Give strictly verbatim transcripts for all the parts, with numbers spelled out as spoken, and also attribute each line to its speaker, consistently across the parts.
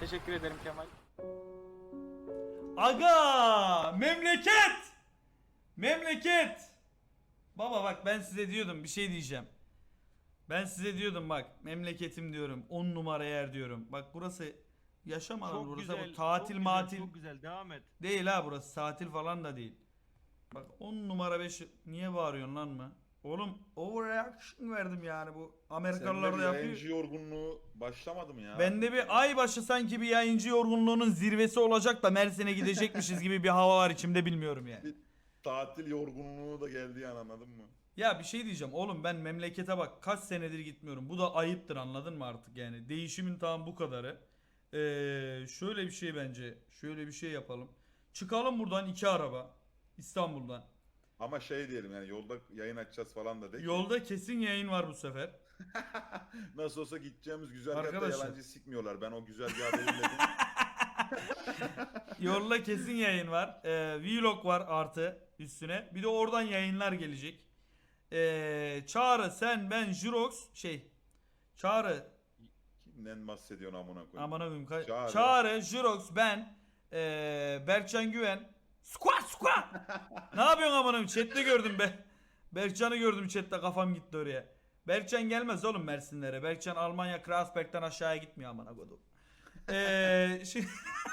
Speaker 1: Teşekkür ederim Kemal.
Speaker 2: Aga! Memleket! Memleket! Baba bak ben size diyordum bir şey diyeceğim. Ben size diyordum bak memleketim diyorum. on numara yer diyorum. Bak burası yaşam alanı
Speaker 3: Çok
Speaker 2: burası.
Speaker 3: güzel.
Speaker 2: Bu tatil
Speaker 3: çok
Speaker 2: matil
Speaker 3: Güzel, çok güzel. Devam et.
Speaker 2: değil ha burası. Tatil falan da değil. Bak on numara beş niye bağırıyorsun lan mı? Oğlum overreaction verdim yani bu Amerikalılar
Speaker 4: Sende
Speaker 2: da
Speaker 4: bir
Speaker 2: yapıyor.
Speaker 4: yayıncı yorgunluğu başlamadı mı ya?
Speaker 2: Bende bir ay başı sanki bir yayıncı yorgunluğunun zirvesi olacak da Mersin'e gidecekmişiz gibi bir hava var içimde bilmiyorum yani.
Speaker 4: Bir tatil yorgunluğu da geldi yani, anladın mı?
Speaker 2: Ya bir şey diyeceğim oğlum ben memlekete bak kaç senedir gitmiyorum. Bu da ayıptır anladın mı artık yani. Değişimin tam bu kadarı. Ee, şöyle bir şey bence. Şöyle bir şey yapalım. Çıkalım buradan iki araba. İstanbul'dan.
Speaker 4: Ama şey diyelim yani, yolda yayın açacağız falan da de ki,
Speaker 2: Yolda kesin yayın var bu sefer.
Speaker 4: nasıl olsa gideceğimiz güzergahta
Speaker 2: Arkadaşlar.
Speaker 4: yalancı sikmiyorlar. Ben o güzergahı belirledim.
Speaker 2: Yolda kesin yayın var. Ee, vlog var artı üstüne. Bir de oradan yayınlar gelecek. Ee, Çağrı, sen, ben, Jirox şey. Çağrı,
Speaker 4: Kimden bahsediyorsun amına koyayım?
Speaker 2: aman koyayım. Ka-
Speaker 4: Çağrı.
Speaker 2: Çağrı, Jirox, ben, ee, Berkcan Güven. Squat squat. Ne yapıyorsun aman koyayım? Chat'te gördüm be. Berkcan'ı gördüm chat'te, kafam gitti oraya. Berkcan gelmez oğlum Mersinlere. Berkcan Almanya Kreuzberg'den aşağıya gitmiyor amına kodum. Eee şimdi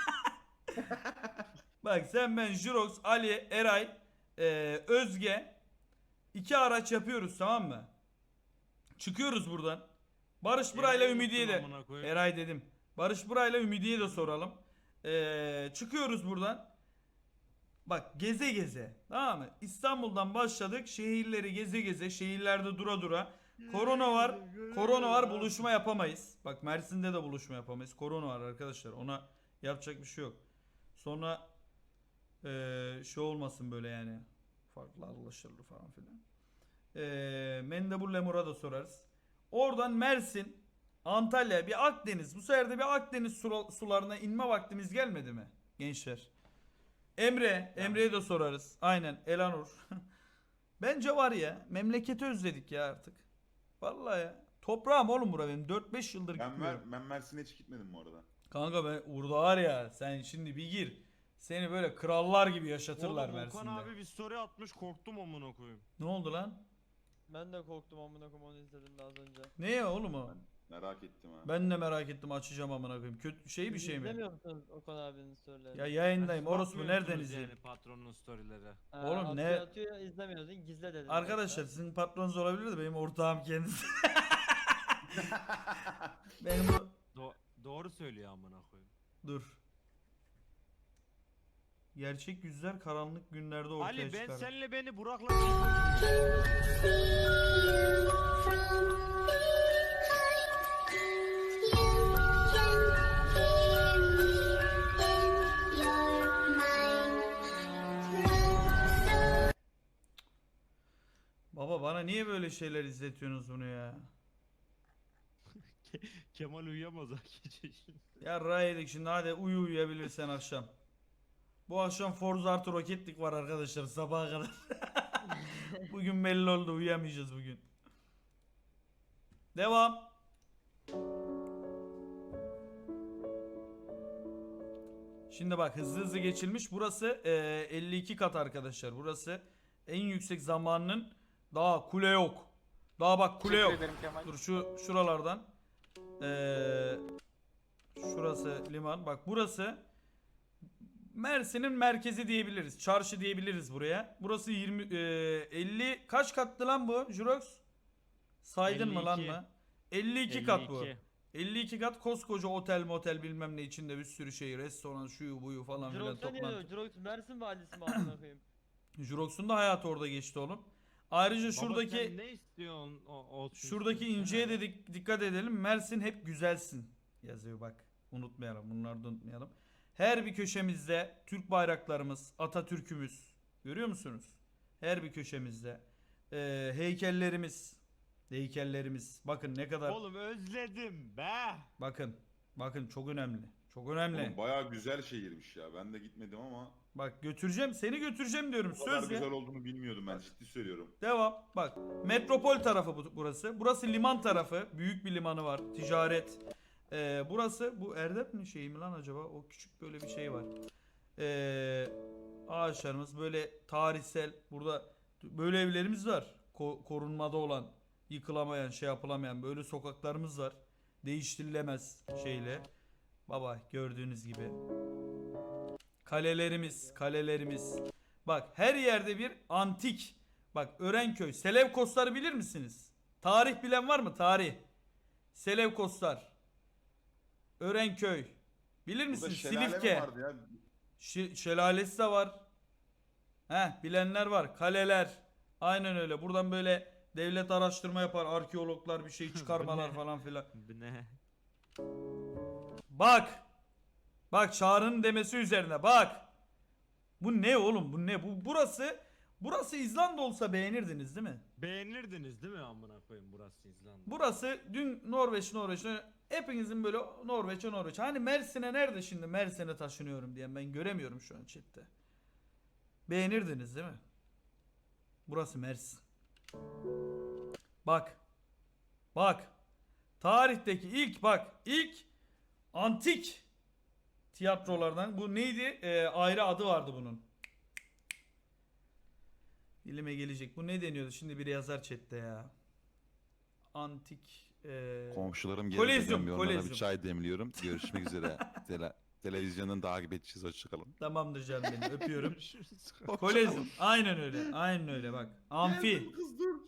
Speaker 2: bak sen, ben, Jirox, Ali, Eray, eee, Özge iki araç yapıyoruz tamam mı? Çıkıyoruz buradan. Barış Buray'la
Speaker 3: Eray'ı
Speaker 2: Ümidiye
Speaker 3: unuttum
Speaker 2: de
Speaker 3: amına koyayım.
Speaker 2: Eray dedim. Barış Buray'la Ümidiye de soralım. Eee, çıkıyoruz buradan. Bak geze geze tamam mı? İstanbul'dan başladık, şehirleri geze geze, şehirlerde dura dura. Korona var. Korona var, buluşma yapamayız. Bak Mersin'de de buluşma yapamayız. Korona var arkadaşlar. Ona yapacak bir şey yok. Sonra eee şey olmasın böyle yani. Farklı anlaşılır falan filan. Eee Mendebur Lemur'a da sorarız. Oradan Mersin, Antalya, bir Akdeniz. Bu sefer de bir Akdeniz sula- sularına inme vaktimiz gelmedi mi gençler? Emre, Emre'ye de sorarız. Aynen, Elanur. Bence var ya, memleketi özledik ya artık. Vallahi ya. Toprağım oğlum bura benim. dört beş yıldır
Speaker 4: Ben,
Speaker 2: gitmiyorum.
Speaker 4: Mer ben Mersin'e hiç gitmedim bu arada.
Speaker 2: Kanka ben burada var ya, sen şimdi bir gir. Seni böyle krallar gibi yaşatırlar
Speaker 3: Oğlum Okan
Speaker 2: Mersin'de.
Speaker 3: abi bir story atmış, korktum amına koyayım.
Speaker 2: Ne oldu lan?
Speaker 5: Ben de korktum amına koyayım, onu izledim de az önce.
Speaker 2: Ne ya oğlum o?
Speaker 4: Merak ettim ha.
Speaker 2: Ben de merak ettim, açacağım amına koyayım. Kötü şey bir şey mi?
Speaker 5: İzlemiyor musunuz Okan abinin storylerini?
Speaker 2: Ya yayındayım.
Speaker 3: Siz
Speaker 2: Orospu
Speaker 3: bakmıyor
Speaker 2: nereden
Speaker 3: musunuz
Speaker 2: izleyeyim?
Speaker 3: Yani patronun storyleri.
Speaker 5: Ha,
Speaker 2: Oğlum
Speaker 5: atıyor,
Speaker 2: ne-
Speaker 5: atıyor izlemiyorsun, gizle dedim.
Speaker 2: Arkadaşlar sizin patronunuz olabilir de benim ortağım kendisi. benim bu...
Speaker 3: Do doğru söylüyor amına koyayım.
Speaker 2: Dur. Gerçek yüzler karanlık günlerde ortaya
Speaker 3: Ali ben
Speaker 2: çıkar.
Speaker 3: senle beni Burak'la
Speaker 2: Baba bana niye böyle şeyler izletiyorsunuz bunu ya?
Speaker 3: Kemal uyuyamaz ha gece şimdi.
Speaker 2: Ya raydik şimdi, hadi uyu uyuyabilirsen akşam. Bu akşam Forza artı Rocket var arkadaşlar sabaha kadar. Bugün belli oldu, uyuyamayacağız bugün. Devam. Şimdi bak hızlı hızlı geçilmiş. Burası e, elli iki kat arkadaşlar. Burası en yüksek zamanının, daha kule yok. Daha bak kule
Speaker 1: Teşekkür
Speaker 2: yok.
Speaker 1: ederim Kemal.
Speaker 2: Dur şu şuralardan. Ee, şurası liman. Bak burası Mersin'in merkezi diyebiliriz. Çarşı diyebiliriz buraya. Burası yirmi e, elli kaç katlı lan bu Jurox? Saydın mı lan
Speaker 3: elli iki.
Speaker 2: mı? elli iki kat bu.
Speaker 3: elli iki.
Speaker 2: elli iki kat, koskoca otel motel bilmem ne, içinde bir sürü şey, restoran, şuyu buyu falan filan
Speaker 5: Jirox'a niye diyor?
Speaker 2: toplantı.
Speaker 5: Jirox Mersin valisi mi amına koyayım?
Speaker 2: Jurox'un da hayatı orada geçti oğlum. Ayrıca
Speaker 3: Baba
Speaker 2: şuradaki
Speaker 3: sen ne istiyorsun o olsun
Speaker 2: şuradaki
Speaker 3: istiyorsun
Speaker 2: inceye
Speaker 3: yani.
Speaker 2: de dik- dikkat edelim. Mersin hep güzelsin yazıyor bak. Unutmayalım. Bunları da unutmayalım. Her bir köşemizde Türk bayraklarımız, Atatürk'ümüz. Görüyor musunuz? Her bir köşemizde. Ee, heykellerimiz. Heykellerimiz. Bakın ne kadar.
Speaker 3: Oğlum özledim be.
Speaker 2: Bakın. Bakın çok önemli. Çok önemli.
Speaker 4: Oğlum bayağı güzel şehirmiş ya. Ben de gitmedim ama
Speaker 2: Bak götüreceğim. Seni götüreceğim diyorum.
Speaker 4: bu kadar
Speaker 2: Söz ya.
Speaker 4: güzel olduğunu bilmiyordum, ben ciddi söylüyorum.
Speaker 2: Devam. Bak metropol tarafı bu- burası. Burası liman tarafı. Büyük bir limanı var. Ticaret. Ee, burası bu Erdem mi şey mi lan acaba? O küçük böyle bir şey var. Ee, ağaçlarımız böyle tarihsel. Burada böyle evlerimiz var. Ko- korunmada olan, yıkılamayan, şey yapılamayan böyle sokaklarımız var. Değiştirilemez şeyle. Baba gördüğünüz gibi. Kalelerimiz, kalelerimiz. Bak her yerde bir antik. Bak Örenköy, Selevkosları bilir misiniz? Tarih bilen var mı? Tarih. Selevkoslar. Örenköy. Bilir
Speaker 4: Burada
Speaker 2: misiniz?
Speaker 4: şelale mi
Speaker 2: Silifke.
Speaker 4: vardı ya?
Speaker 2: Şi- şelalesi de var. Heh, bilenler var. Kaleler. Aynen öyle. Buradan böyle devlet araştırma yapar. Arkeologlar bir şey çıkarmalar
Speaker 3: ne?
Speaker 2: falan filan.
Speaker 3: Bu ne?
Speaker 2: Bak. Bak Çağrı'nın demesi üzerine bak. Bu ne oğlum? Bu ne? Bu burası burası İzlanda olsa beğenirdiniz değil mi?
Speaker 3: Beğenirdiniz değil mi amına koyayım burası İzlanda?
Speaker 2: Burası dün Norveç Norveç hepinizin böyle Norveç'e Norveç. Hani Mersin'e nerede şimdi Mersin'e taşınıyorum diyen ben göremiyorum şu an chatte. Beğenirdiniz değil mi? Burası Mersin. Bak. Bak. Tarihteki ilk bak ilk antik tiyatrolardan bu neydi? Ee, ayrı adı vardı bunun. Dilime gelecek. Bu ne deniyordu? Şimdi biri yazar chatte ya. Antik e...
Speaker 1: Komşularım
Speaker 2: Kolezyum,
Speaker 1: geldi. Onlara
Speaker 2: kolezyum.
Speaker 1: bir çay demliyorum. Görüşmek üzere. Tele televizyondan takip edeceğiz. Hoşçakalın.
Speaker 2: Tamamdır canım benim. Öpüyorum.
Speaker 3: Görüşürüz.
Speaker 2: Kolezyum. Aynen öyle. Aynen öyle bak. Amfi.
Speaker 4: Geldim kız dur.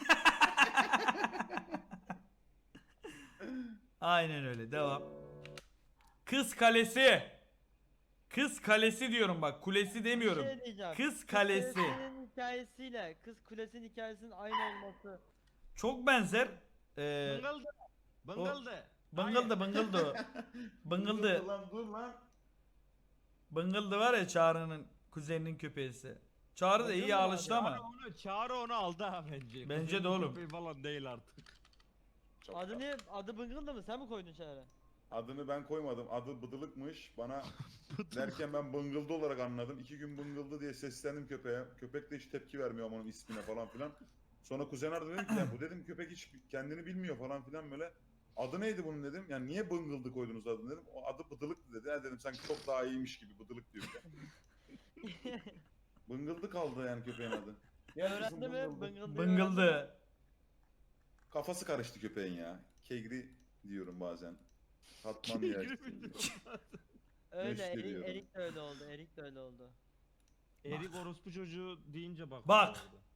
Speaker 2: Aynen öyle. Devam. Kız Kalesi. Kız Kalesi diyorum bak. Kulesi demiyorum.
Speaker 5: Bir şey diyeceğim.
Speaker 2: Kız Kalesi.
Speaker 5: Kulesi'nin hikayesiyle Kız Kulesi'nin hikayesinin aynı olması.
Speaker 2: Çok benzer. Ee,
Speaker 3: Bıngıldı. Bıngıldı.
Speaker 2: bıngıldı bıngıldı. Bıngıldı.
Speaker 4: Dur lan dur lan.
Speaker 2: Bıngıldı var ya Çağrı'nın kuzeninin köpeğisi. Çağrı da iyi
Speaker 3: Bıngıldı
Speaker 2: alıştı
Speaker 3: abi.
Speaker 2: ama.
Speaker 3: Çağrı onu, Çağrı onu aldı ha bence.
Speaker 2: Bence
Speaker 3: Kuzenin
Speaker 2: de oğlum.
Speaker 3: köpeği falan değil artık.
Speaker 4: Çok
Speaker 5: Adı
Speaker 4: tatlı.
Speaker 5: ne? Adı Bıngıldı mı? Sen mi koydun Çağrı?
Speaker 4: Adını ben koymadım. Adı Bıdılık'mış. Bana derken ben bıngıldı olarak anladım. İki gün bıngıldı diye seslendim köpeğe. Köpek de hiç tepki vermiyor ama onun ismine falan filan. Sonra kuzen aradı dedim ki ya bu dedim köpek hiç kendini bilmiyor falan filan böyle. Adı neydi bunun dedim. Yani niye bıngıldı koydunuz adını dedim. O adı Bıdılık'tı dedi. Ya dedim sanki çok daha iyiymiş gibi Bıdılık diyor ya. Bıngıldı kaldı yani köpeğin adı. Gel kızım,
Speaker 5: Öğrendi mi?
Speaker 4: bıngıldı.
Speaker 5: Bıngıldı.
Speaker 2: Bıngıldı.
Speaker 4: Kafası karıştı köpeğin ya. Kegri diyorum bazen. Katman ya.
Speaker 5: Öyle.
Speaker 4: Neşte
Speaker 5: Erik,
Speaker 4: diyorum.
Speaker 5: Erik de öyle oldu. Erik de öyle oldu.
Speaker 3: Erik orospu çocuğu deyince bak.
Speaker 2: Bak.
Speaker 3: bu arada.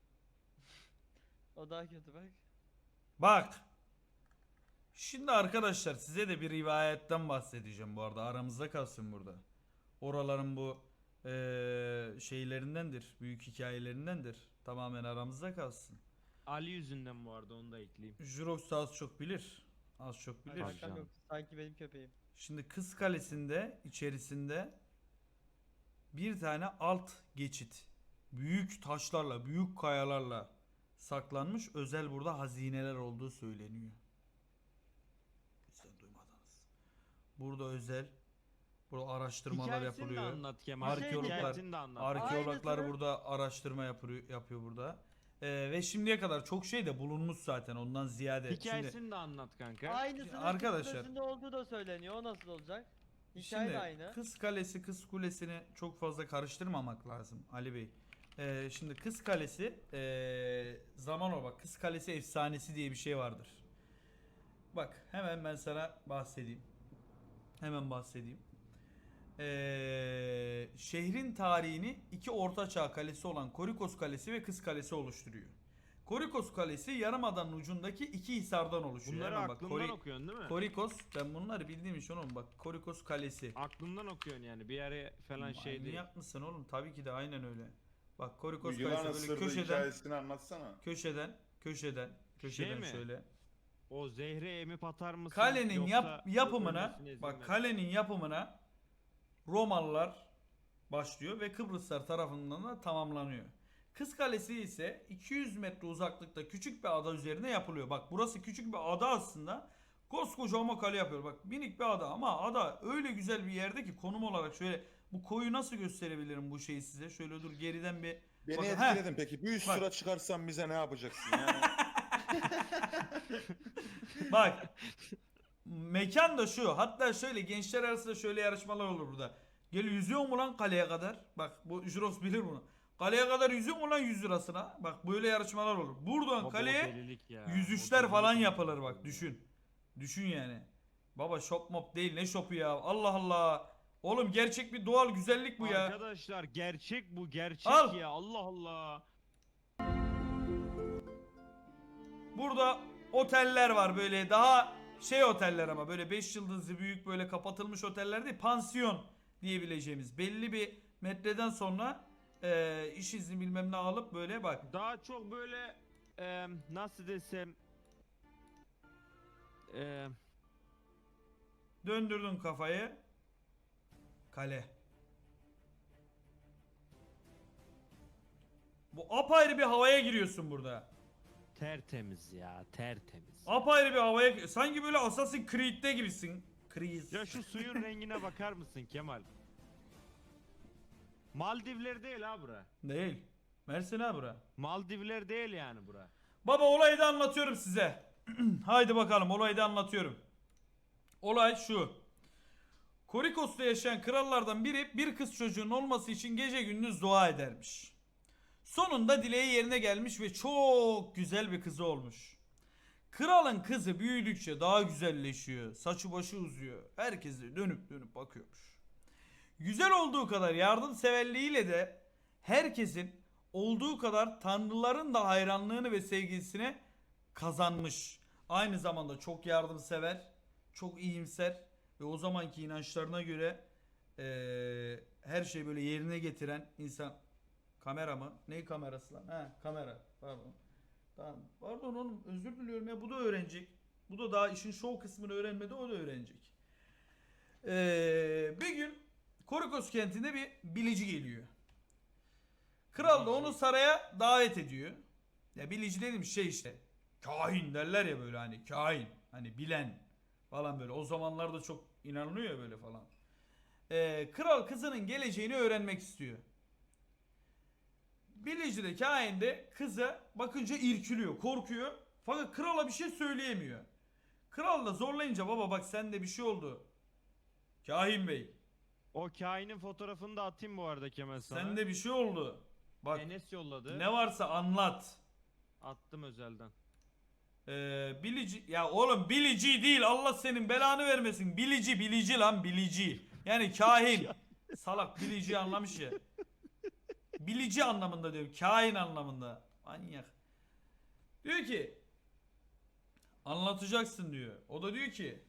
Speaker 5: O daha kötü bak.
Speaker 2: Bak. Şimdi arkadaşlar size de bir rivayetten bahsedeceğim bu arada. Aramızda kalsın burada. Oraların bu eee, şeylerindendir. Büyük hikayelerindendir. Tamamen aramızda kalsın.
Speaker 3: Ali yüzünden bu arada onu da ekleyeyim.
Speaker 2: Jurox da az çok bilir. Az çok bilir.
Speaker 3: Tabii
Speaker 5: Kankam
Speaker 3: canım.
Speaker 5: yok. Sanki benim köpeğim.
Speaker 2: Şimdi Kız Kalesi'nde içerisinde bir tane alt geçit. Büyük taşlarla, büyük kayalarla saklanmış özel burada hazineler olduğu söyleniyor. Sen duymadınız. Burada özel burada araştırmalar
Speaker 3: Hikayesini de
Speaker 2: yapılıyor.
Speaker 3: anlat Kemal.
Speaker 2: Arkeologlar-
Speaker 3: Hikayesini de anlat.
Speaker 2: Arkeologlar
Speaker 5: Aynısını-
Speaker 2: burada araştırma yapıyor, yapıyor burada. Ee, ve şimdiye kadar çok şey de bulunmuş zaten ondan ziyade.
Speaker 3: Hikayesini
Speaker 2: Şimdi,
Speaker 3: de anlat kanka.
Speaker 5: Aynısının
Speaker 2: arkadaşlar-
Speaker 5: Kız Kulesi'nde olduğu da söyleniyor. O nasıl olacak? Hikaye
Speaker 2: şimdi
Speaker 5: de aynı.
Speaker 2: Kız Kalesi, Kız Kulesi'ni çok fazla karıştırmamak lazım Ali Bey. Ee, şimdi Kız Kalesi ee, zaman o bak Kız Kalesi efsanesi diye bir şey vardır. Bak hemen ben sana bahsedeyim. Hemen bahsedeyim. Ee, şehrin tarihini iki ortaçağ kalesi olan Korikos Kalesi ve Kız Kalesi oluşturuyor. Korikos Kalesi yarımadanın ucundaki iki hisardan oluşuyor.
Speaker 3: Bunları
Speaker 2: Hemen bak,
Speaker 3: aklından
Speaker 2: Kori-
Speaker 3: okuyorsun değil mi?
Speaker 2: Korikos ben bunları bildiğim için oğlum bak Korikos Kalesi.
Speaker 3: Aklından okuyorsun yani bir yere falan şey değil.
Speaker 2: Manyak mısın oğlum? Tabii ki de aynen öyle. Bak
Speaker 4: Bu
Speaker 2: Korikos
Speaker 4: yılan
Speaker 2: Kalesi böyle
Speaker 4: ısırdı
Speaker 2: köşeden
Speaker 4: hikayesini anlatsana.
Speaker 2: köşeden köşeden köşeden
Speaker 3: Şey mi?
Speaker 2: şöyle.
Speaker 3: O zehri emip atar mısın?
Speaker 2: Kalenin
Speaker 3: yoksa
Speaker 2: yap, yapımına
Speaker 3: ölmesine izin
Speaker 2: bak
Speaker 3: ver-
Speaker 2: kalenin yapımına Romalılar başlıyor ve Kıbrıslar tarafından da tamamlanıyor. Kız Kalesi ise iki yüz metre uzaklıkta küçük bir ada üzerine yapılıyor. Bak burası küçük bir ada aslında. Koskoca ama kale yapıyor. Bak minik bir ada ama ada öyle güzel bir yerde ki konum olarak şöyle bu koyu nasıl gösterebilirim bu şeyi size? Şöyle dur geriden bir
Speaker 4: Beni
Speaker 2: Bakın,
Speaker 4: etkiledin peki. Bir üst
Speaker 2: Bak.
Speaker 4: sıra çıkarsan bize ne yapacaksın yani?
Speaker 2: bak mekan da şu. Hatta şöyle gençler arasında şöyle yarışmalar olur burada. Gel yüzüyor mu lan kaleye kadar? Bak bu Juros bilir bunu. Kaleye kadar yüzüyor mu lan yüz lirasına? Bak böyle yarışmalar olur. Buradan
Speaker 3: Baba o
Speaker 2: kaleye
Speaker 3: delilik ya,
Speaker 2: yüz
Speaker 3: o
Speaker 2: üçler
Speaker 3: delilik
Speaker 2: falan
Speaker 3: ya.
Speaker 2: yapılır bak düşün. Düşün yani. Baba shop mop değil ne shopu ya. Allah Allah. Oğlum gerçek bir doğal güzellik bu ya.
Speaker 3: Arkadaşlar gerçek bu, gerçek
Speaker 2: Al.
Speaker 3: ya, Allah Allah.
Speaker 2: Burada oteller var böyle daha şey oteller ama böyle beş yıldızlı büyük böyle kapatılmış oteller değil, pansiyon diyebileceğimiz belli bir metreden sonra e, iş izni bilmem ne alıp böyle bak.
Speaker 3: Daha çok böyle e, nasıl desem e,
Speaker 2: Döndürdün kafayı. Kale. Bu apayrı bir havaya giriyorsun burada.
Speaker 3: tertemiz ya, tertemiz.
Speaker 2: Apayrı bir havaya sanki böyle Assassin's Creed'de gibisin. Creed.
Speaker 3: Ya şu suyun rengine bakar mısın Kemal? Maldivler değil ha bura.
Speaker 2: Değil. Mersin ha bura.
Speaker 3: Maldivler değil yani bura.
Speaker 2: Baba olayı da anlatıyorum size. Haydi bakalım olayı da anlatıyorum. Olay şu. Korikos'ta yaşayan krallardan biri bir kız çocuğun olması için gece gündüz dua edermiş. Sonunda dileği yerine gelmiş ve çok güzel bir kızı olmuş. Kralın kızı büyüdükçe daha güzelleşiyor. Saçı başı uzuyor. Herkes de dönüp dönüp bakıyormuş. Güzel olduğu kadar yardımseverliğiyle de herkesin olduğu kadar tanrıların da hayranlığını ve sevgisini kazanmış. Aynı zamanda çok yardımsever, çok iyimser ve o zamanki inançlarına göre eee, her şeyi böyle yerine getiren insan. Kamera mı? Ne kamerası lan? Ha kamera. Pardon. Tamam. Pardon oğlum özür diliyorum ya bu da öğrenecek. Bu da daha işin show kısmını öğrenmedi o da öğrenecek. Ee, bir gün Korikos kentinde bir bilici geliyor. Kral da onu saraya davet ediyor. Ya bilici dediğim şey işte. Kahin derler ya böyle hani kahin. Hani bilen falan böyle. O zamanlarda çok inanılıyor ya böyle falan. Ee, kral kızının geleceğini öğrenmek istiyor. Bilici de kahin de kıza bakınca irkiliyor, korkuyor. Fakat krala bir şey söyleyemiyor. Kral da zorlayınca baba bak sende bir şey oldu. Kahin bey
Speaker 3: O kainin fotoğrafını da atayım bu arada Kemal sana.
Speaker 2: sende bir şey oldu. Bak
Speaker 3: Enes yolladı.
Speaker 2: ne varsa anlat.
Speaker 3: Attım özelden.
Speaker 2: Ee, bilici ya oğlum bilici değil Allah senin belanı vermesin. Bilici bilici lan bilici. Yani kahin. Salak bilici anlamış ya. Bilici anlamında diyor. Kain anlamında. Manyak. Diyor ki anlatacaksın diyor. O da diyor ki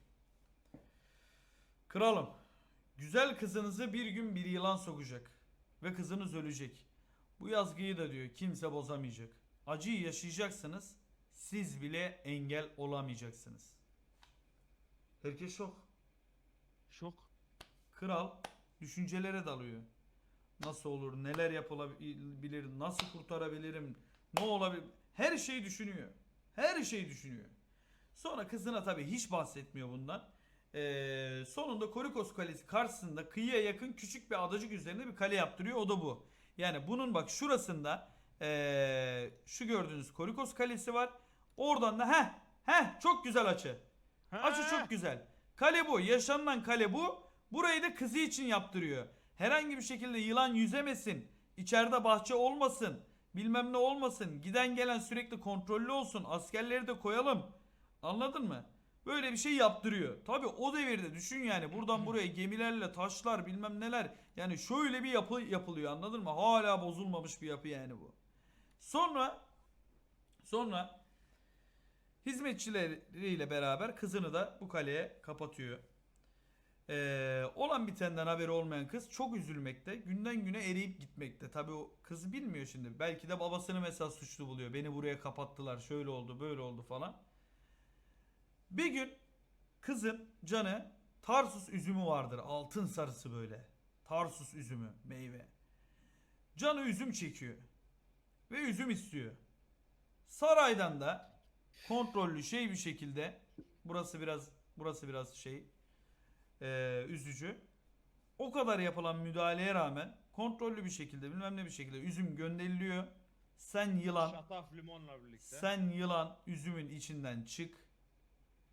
Speaker 2: kralım güzel kızınızı bir gün bir yılan sokacak. Ve kızınız ölecek. Bu yazgıyı da diyor kimse bozamayacak. Acıyı yaşayacaksınız. Siz bile engel olamayacaksınız. Herkes şok.
Speaker 3: Şok.
Speaker 2: Kral düşüncelere dalıyor. Nasıl olur, neler yapılabilir, nasıl kurtarabilirim, ne olabilir? Her şeyi düşünüyor. Her şeyi düşünüyor. Sonra kızına tabii hiç bahsetmiyor bundan. Ee, sonunda Korikos Kalesi karşısında kıyıya yakın küçük bir adacık üzerinde bir kale yaptırıyor. O da bu. Yani bunun bak şurasında ee, şu gördüğünüz Korikos Kalesi var. Oradan da heh heh çok güzel açı. Açı çok güzel. Kale bu. Yaşanılan kale bu. Burayı da kızı için yaptırıyor. Herhangi bir şekilde yılan yüzemesin. İçeride bahçe olmasın. Bilmem ne olmasın. Giden gelen sürekli kontrollü olsun. Askerleri de koyalım. Anladın mı? Böyle bir şey yaptırıyor. Tabi o devirde düşün yani. Buradan buraya gemilerle taşlar bilmem neler. Yani şöyle bir yapı yapılıyor anladın mı? Hala bozulmamış bir yapı yani bu. Sonra sonra hizmetçileriyle beraber kızını da bu kaleye kapatıyor. Ee, olan bitenden haberi olmayan kız çok üzülmekte. Günden güne eriyip gitmekte. Tabii o kız bilmiyor şimdi. Belki de babasını mesela suçlu buluyor. Beni buraya kapattılar. Şöyle oldu, böyle oldu falan. Bir gün kızın canı Tarsus üzümü vardır. Altın sarısı böyle. Tarsus üzümü, meyve. Canı üzüm çekiyor. Ve üzüm istiyor. Saraydan da kontrollü şey bir şekilde burası biraz burası biraz şey Ee, üzücü. O kadar yapılan müdahaleye rağmen kontrollü bir şekilde bilmem ne bir şekilde üzüm gönderiliyor. Sen yılan
Speaker 3: Şataf limonla birlikte.
Speaker 2: sen yılan üzümün içinden çık.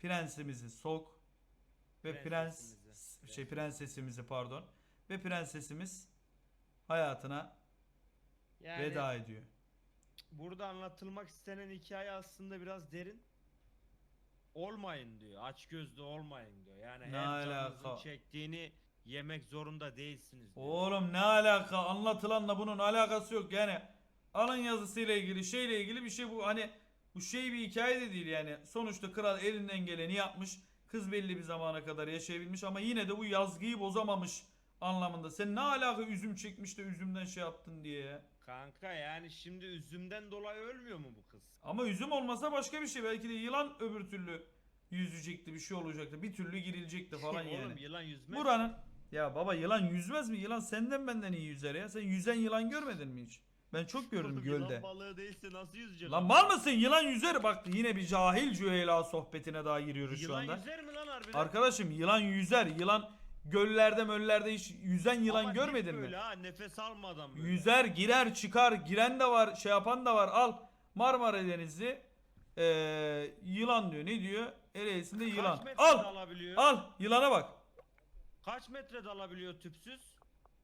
Speaker 2: prensimizi sok ve prens
Speaker 3: Prensesimizi.
Speaker 2: şey prensesimizi pardon ve prensesimiz hayatına
Speaker 3: Yani
Speaker 2: veda ediyor.
Speaker 3: burada anlatılmak istenen hikaye aslında biraz derin. Olmayın diyor. Açgözlü olmayın diyor. Yani
Speaker 2: Ne
Speaker 3: her canınızın
Speaker 2: alaka?
Speaker 3: çektiğini yemek zorunda değilsiniz diyor.
Speaker 2: Oğlum ne alaka, anlatılanla bunun alakası yok yani. Alın yazısıyla ilgili şeyle ilgili bir şey bu, hani bu şey bir hikaye de değil yani. Sonuçta kral elinden geleni yapmış. Kız belli bir zamana kadar yaşayabilmiş ama yine de bu yazgıyı bozamamış anlamında. Sen ne alaka üzüm çekmiş de üzümden şey yaptın diye ya.
Speaker 3: Kanka yani şimdi üzümden dolayı ölmüyor mu bu kız?
Speaker 2: Ama üzüm olmasa başka bir şey. Belki de yılan öbür türlü yüzecekti, bir şey olacaktı. Bir türlü girilecekti falan
Speaker 3: Oğlum
Speaker 2: yani.
Speaker 3: yılan yüzmez.
Speaker 2: Buranın ya baba yılan yüzmez mi? Yılan senden benden iyi yüzer ya. Sen yüzen yılan görmedin mi hiç? Ben çok gördüm
Speaker 3: Oğlum,
Speaker 2: gölde.
Speaker 3: Yılan balığı değilse nasıl yüzecek?
Speaker 2: Lan mal mısın? Yılan yüzer. Bak yine bir cahil cüheyla sohbetine daha giriyoruz şu
Speaker 3: Yılan
Speaker 2: anda.
Speaker 3: yüzer mi lan harbiden?
Speaker 2: Arkadaşım yılan yüzer. Yılan göllerde möllerde hiç yüzen yılan
Speaker 3: Ama
Speaker 2: görmedin
Speaker 3: dik
Speaker 2: mi?
Speaker 3: böyle ha, nefes almadan böyle.
Speaker 2: Yüzer, girer, çıkar. Giren de var, şey yapan da var. Al Marmara Denizi ee, yılan diyor. Ne diyor? Ereğlisinde
Speaker 3: Kaç
Speaker 2: yılan.
Speaker 3: metre
Speaker 2: Al.
Speaker 3: dalabiliyor?
Speaker 2: Al. Yılana bak.
Speaker 3: Kaç metre dalabiliyor tüpsüz?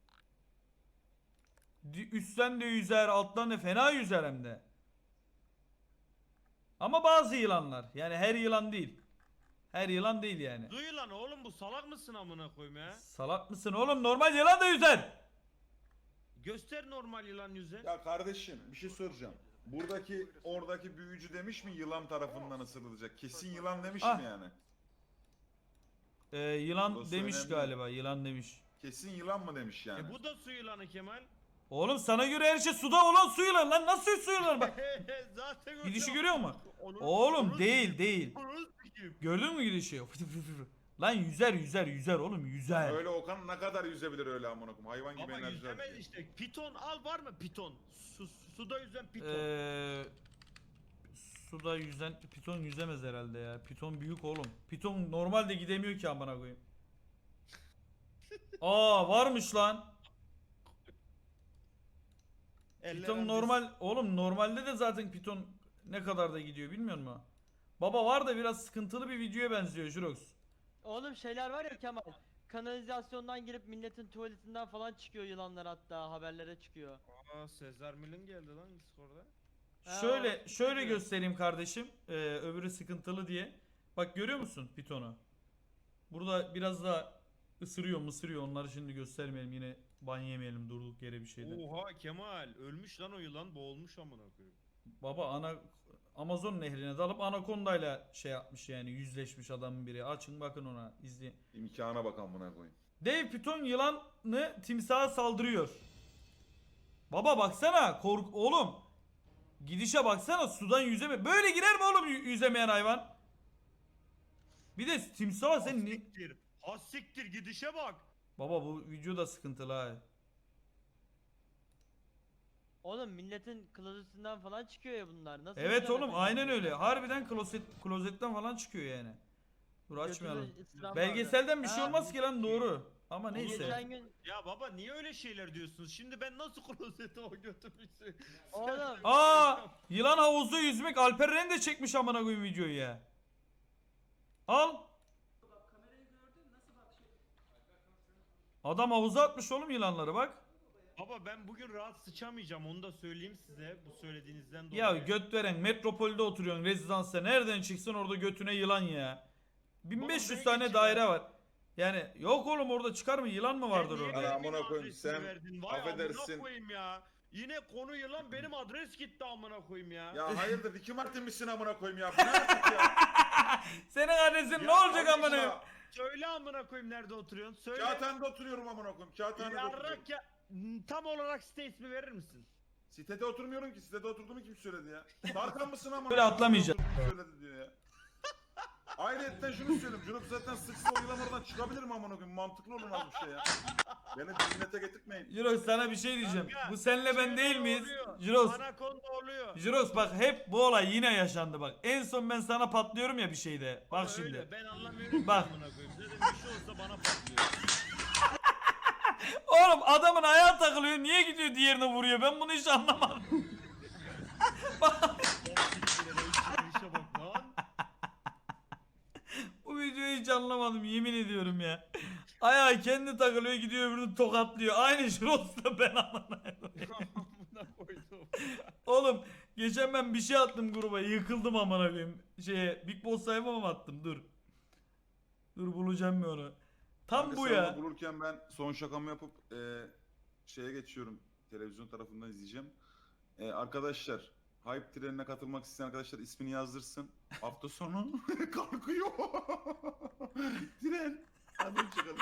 Speaker 2: Di- Üstten de yüzer, alttan da fena yüzer hem de. Ama bazı yılanlar. Yani her yılan değil. Her yılan değil yani.
Speaker 3: Duy lan oğlum, bu salak mısın amına koyayım ya?
Speaker 2: Salak mısın oğlum? Normal yılan da yüzer.
Speaker 3: Göster normal yılan yüze.
Speaker 4: Ya kardeşim bir şey soracağım. Buradaki oradaki büyücü demiş mi yılan tarafından ısırılacak? Kesin yılan demiş
Speaker 2: Ah.
Speaker 4: mi yani?
Speaker 2: Ee, yılan
Speaker 4: Burası
Speaker 2: demiş
Speaker 4: önemli.
Speaker 2: galiba. Yılan demiş.
Speaker 4: Kesin yılan mı demiş yani?
Speaker 3: E bu da su yılanı Kemal.
Speaker 2: Oğlum sana göre her şey suda olan su yılan lan. Nasıl su yılan bak.
Speaker 3: Zaten öyle
Speaker 2: Gidişi
Speaker 3: ama.
Speaker 2: görüyor musun?
Speaker 3: Onu-
Speaker 2: Oğlum
Speaker 3: onu
Speaker 2: değil
Speaker 3: sikeyim,
Speaker 2: değil.
Speaker 3: onu sikeyim.
Speaker 2: Gördün mü gidişi? Fıtı fıtı fıtı. Lan yüzer yüzer yüzer oğlum yüzer.
Speaker 4: Öyle Okan ne kadar yüzebilir öyle amına koyayım? Hayvan gibi
Speaker 3: Ama
Speaker 4: enerjiler.
Speaker 3: yüzemez işte. Piton al, var mı piton? Su, suda yüzen piton.
Speaker 2: Ee, suda yüzen piton yüzemez herhalde ya. Piton büyük oğlum. Piton normalde gidemiyor ki amına koyayım. Aa varmış lan.
Speaker 3: Eller
Speaker 2: Piton
Speaker 3: arası-
Speaker 2: normal oğlum, normalde de zaten piton ne kadar da gidiyor bilmiyor musun? Baba var da biraz sıkıntılı bir videoya benziyor Jurox.
Speaker 5: Oğlum şeyler var ya Kemal. Kanalizasyondan girip milletin tuvaletinden falan çıkıyor yılanlar, hatta haberlere çıkıyor.
Speaker 3: Aa, Sezar Mil'in geldi lan Discord'a.
Speaker 5: Ha,
Speaker 2: Şöyle
Speaker 5: o-
Speaker 2: şöyle
Speaker 5: biliyorum.
Speaker 2: göstereyim kardeşim. Ee, öbürü sıkıntılı diye. Bak görüyor musun pitonu? Burada biraz da ısırıyor mısırıyor. Onları şimdi göstermeyelim, yine ban yemeyelim durduk yere bir şeyden.
Speaker 3: Oha Kemal, ölmüş lan o yılan, boğulmuş amına koyayım.
Speaker 2: Baba ana Amazon nehrine dalıp anakondayla şey yapmış yani, yüzleşmiş adamın biri. Açın bakın ona, izleyin.
Speaker 4: İmkana bak amına koyayım.
Speaker 2: Dev piton yılanı timsaha saldırıyor. Baba baksana, kork oğlum. Gidişe baksana, sudan yüzeme. Böyle girer mi oğlum yü- yüzemeyen hayvan? Bir de timsah sen ni...
Speaker 3: Hassiktir. Hassiktir, gidişe bak.
Speaker 2: Baba bu video da sıkıntılı ha.
Speaker 5: Oğlum milletin klozetinden falan çıkıyor ya bunlar. Nasıl
Speaker 2: Evet
Speaker 5: yüzemez
Speaker 2: oğlum
Speaker 5: yani?
Speaker 2: aynen öyle. Harbiden klozet klozetten falan çıkıyor yani. Dur açmayalım.
Speaker 5: Götünü ısıran
Speaker 2: Belgeselden bir
Speaker 5: vardı.
Speaker 2: şey
Speaker 5: Ha,
Speaker 2: olmaz ki lan, doğru. Ama
Speaker 5: bu
Speaker 2: neyse.
Speaker 5: Geçen gün
Speaker 3: Ya baba niye öyle şeyler diyorsunuz? Şimdi ben nasıl klozete o götürmüşsün?
Speaker 5: Oğlum.
Speaker 2: Aa, yılan havuzda yüzmek. Alper Ren de çekmiş amına koyayım videoyu ya. Al. Adam havuza atmış oğlum yılanları bak.
Speaker 3: Baba ben bugün rahat sıçamayacağım, onu da söyleyeyim size bu söylediğinizden dolayı.
Speaker 2: Ya göt veren, metropolde oturuyorsun rezidansta, nereden çıksın orada götüne yılan ya. bin beş yüz
Speaker 3: Baba,
Speaker 2: tane
Speaker 3: belki
Speaker 2: daire
Speaker 3: çıkar.
Speaker 2: var. Yani yok oğlum, orada çıkar mı, yılan mı vardır
Speaker 3: Sen niye
Speaker 2: orada?
Speaker 4: Ana
Speaker 3: benim
Speaker 4: amına koyayım,
Speaker 3: adresimi
Speaker 4: sen
Speaker 3: verdin? Vay
Speaker 4: affedersin.
Speaker 3: amına koyayım ya. Yine konu yılan, benim adres gitti amına koyayım ya.
Speaker 4: Ya hayırdır Ricky Martin misin amına koyayım ya? Bu ne artık ya?
Speaker 2: Senin adresin ne
Speaker 3: Ya
Speaker 2: olacak
Speaker 4: Kardeşim
Speaker 2: amına?
Speaker 4: ya,
Speaker 3: Söyle amına koyayım, nerede oturuyorsun? Söyle.
Speaker 4: Kağıthane'de oturuyorum amına koyayım. Kağıthane'de oturuyorum.
Speaker 3: Yarrak ya. Tam olarak site ismi verir misin?
Speaker 4: Sitede oturmuyorum ki. Sitede oturduğumu kim söyledi ya? Tarkan mısın amına?
Speaker 2: Böyle atlamayacağım.
Speaker 4: Kim söyledi diyor ya. Ayrıca şunu söyleyeyim. Junup zaten sıksa o yılan oradan çıkabilir mi amına koyayım? Mantıklı olur az bir şey ya. Beni millete getirtmeyin.
Speaker 2: Jirox sana bir şey diyeceğim.
Speaker 3: Kanka,
Speaker 2: Bu senle ben
Speaker 3: Şey
Speaker 2: değil miyiz?
Speaker 3: oluyor,
Speaker 2: Jirox.
Speaker 3: Anakonda oluyor.
Speaker 2: Jirox bak, hep bu olay yine yaşandı bak. En son ben sana patlıyorum ya bir şeyde. Bak
Speaker 3: Ama
Speaker 2: şimdi.
Speaker 3: öyle, ben anlamıyorum
Speaker 2: Bak.
Speaker 3: ki amına koyayım. Zaten bir şey olsa bana patlıyor.
Speaker 2: Oğlum adamın ayağı takılıyor. Niye gidiyor diğerine vuruyor? Ben bunu hiç anlamadım.
Speaker 3: Siktir, işe bak lan.
Speaker 2: Ayağı kendi takılıyor gidiyor öbürünü tokatlıyor. Aynı Jirox'la ben amına koyayım.
Speaker 3: Amına koydum.
Speaker 2: Oğlum geçen ben bir şey attım gruba yıkıldım amına koyayım. Şeye Big Boss sayfama mı attım dur. Dur bulacağım bir onu. Tam
Speaker 4: Kanka
Speaker 2: bu
Speaker 4: sen
Speaker 2: ya.
Speaker 4: onu bulurken ben son şakamı yapıp e, şeye geçiyorum. Televizyon tarafından izleyeceğim. E, arkadaşlar Hype trenine katılmak isteyen arkadaşlar ismini yazdırsın. Hafta sonu kalkıyor. Tren. Hadi çıkalım.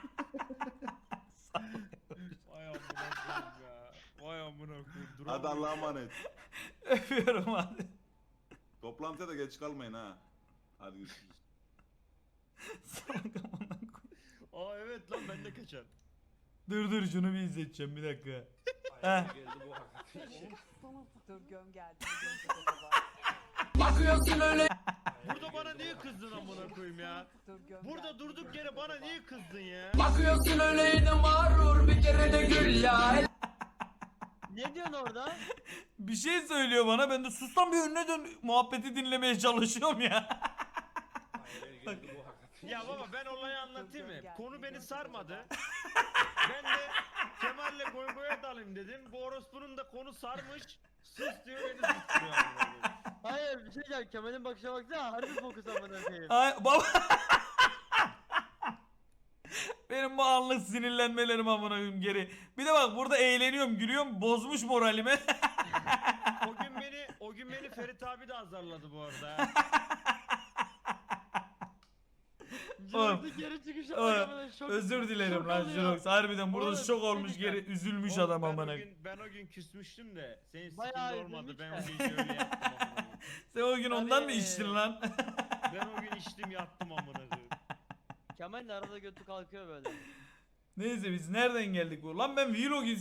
Speaker 3: Vay amına koyayım ya. Vay amına koyayım.
Speaker 4: Hadi
Speaker 3: Duramıyorum.
Speaker 4: Allah'a emanet.
Speaker 2: Öpüyorum hadi.
Speaker 4: Toplantıya da geç kalmayın ha. Hadi görüşürüz.
Speaker 2: Salak amına koyayım.
Speaker 3: Aa evet lan ben de kaçar.
Speaker 2: Dur dur şunu bir izleteceğim bir dakika. Heh.
Speaker 6: Dur göm geldi. göm geldi.
Speaker 3: Burada bana niye kızdın amına koyayım ya?
Speaker 6: Dur göm
Speaker 3: Burada
Speaker 6: geldi.
Speaker 3: durduk yere bana niye kızdın ya?
Speaker 7: Bakıyorsun öyleydi mağrur bir kere de gül ya.
Speaker 5: Ne diyorsun orada?
Speaker 2: Bir şey söylüyor bana ben de sus lan bir önüne dön muhabbeti dinlemeye çalışıyorum ya.
Speaker 3: Ya baba ben olayı anlatayım mı?
Speaker 6: Gel,
Speaker 3: Konu beni
Speaker 6: gel,
Speaker 3: sarmadı. Ben de Kemal'le goy goya dalayım dedim. Bu orospunun da konu sarmış. Sus diyor beni susturuyor amına koyayım.
Speaker 5: Hayır bir şey diyeceğim. Kemal'in bakışa baksana. Harbi fokus amına koyayım.
Speaker 2: Ay baba. Benim bu anlık sinirlenmelerim amına koyayım geri. Bir de bak burada eğleniyorum, gülüyorum. Bozmuş moralimi.
Speaker 3: O gün beni o gün beni Ferit abi de azarladı bu arada.
Speaker 2: Oğlum,
Speaker 5: Jirox'un geri çıkışı
Speaker 2: oğlum,
Speaker 5: bak amına şok.
Speaker 2: Özür dilerim
Speaker 5: şok
Speaker 2: lan
Speaker 5: oluyor.
Speaker 2: Jirox. Harbiden burada
Speaker 5: Oğlum,
Speaker 2: şok
Speaker 5: bir şey
Speaker 2: olmuş
Speaker 5: diyeceğim.
Speaker 2: geri üzülmüş
Speaker 3: Oğlum,
Speaker 2: adam
Speaker 3: ben
Speaker 2: amına
Speaker 3: o
Speaker 2: koyayım.
Speaker 3: gün, ben o gün küsmüştüm de senin
Speaker 5: Bayağı
Speaker 3: sikinde olmadı.
Speaker 5: üzülmüş
Speaker 3: Ben
Speaker 5: de.
Speaker 3: o gece öyle yattım amına koyayım.
Speaker 2: Sen o gün ondan mı
Speaker 5: Tabii.
Speaker 2: içtin lan?
Speaker 3: Ben o gün içtim yattım amına koyayım.
Speaker 5: Kemal'in arada götü kalkıyor böyle.
Speaker 2: Neyse biz nereden geldik bu? Lan ben vlog